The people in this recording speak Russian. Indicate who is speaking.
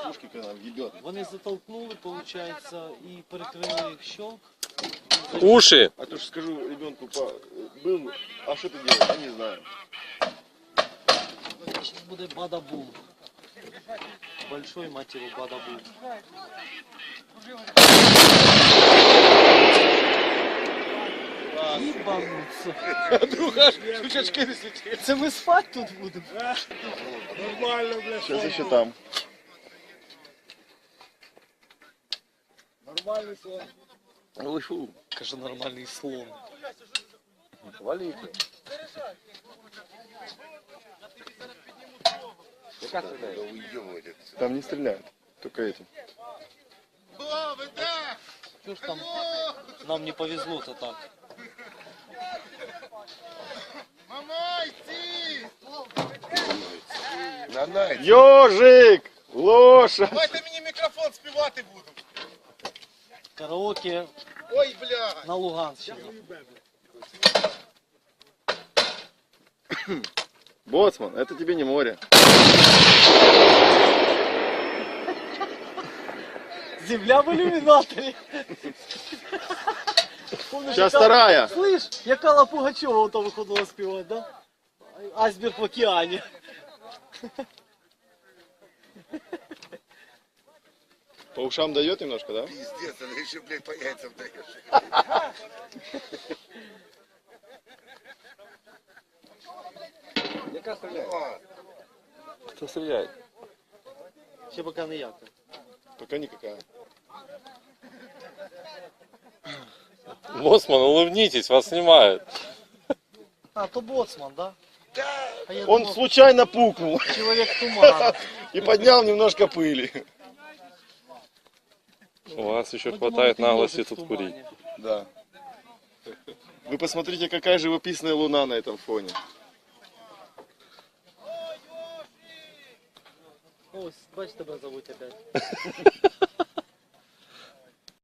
Speaker 1: пушки, когда нам ебет.
Speaker 2: Вони затолкнули, получается, і перекрили щелк.
Speaker 3: Уши!
Speaker 1: А то ж скажу ребенку, был, а что ты делаешь? Я не знаю.
Speaker 2: Сейчас буде бада-бум. Большой матеру бада-бум. Ебануться.
Speaker 1: Друга, шучачки не слетели.
Speaker 2: Це ми спать тут будемо?
Speaker 4: Нормально, блядь.
Speaker 1: Сейчас еще там.
Speaker 4: Нормальный сон.
Speaker 1: Ой, фу.
Speaker 2: Каже, нормальний слон.
Speaker 1: Вали. Там не стреляют, только этим.
Speaker 2: Що ж там? Нам не повезло-то так.
Speaker 1: Ёжик! Лоша!
Speaker 4: Давайте мені мікрофон співати буду.
Speaker 2: Караоке
Speaker 4: Ой, бля.
Speaker 2: на Луганщині.
Speaker 1: Боцман, это тебе не море.
Speaker 2: Земля в ілюмінаторі.
Speaker 1: Сейчас вторая.
Speaker 2: Слышь, як Алла Пугачова ото виходила співати, да? Айсберг в океані.
Speaker 1: По ушам дает немножко, да?
Speaker 4: Пиздец, она еще, блядь, по яйцам даешь.
Speaker 1: Яка стреляет?
Speaker 3: Кто стреляет?
Speaker 2: Ще поки ніяка.
Speaker 1: Пока никакая.
Speaker 3: Боцман, улыбнитесь, вас снимают.
Speaker 2: А, то боцман, да? А я
Speaker 1: Он
Speaker 2: думав,
Speaker 1: случайно пукнул
Speaker 2: чоловік туман.
Speaker 1: и поднял немножко пыли.
Speaker 3: У вас еще
Speaker 2: Ми
Speaker 3: хватает
Speaker 2: думали, ти
Speaker 3: наглости
Speaker 2: ежик в
Speaker 3: тут
Speaker 2: тумані.
Speaker 3: курить.
Speaker 1: Да. Вы посмотрите, какая живописная луна на этом фоне.
Speaker 2: Ось, бач, тебе зовуть опять.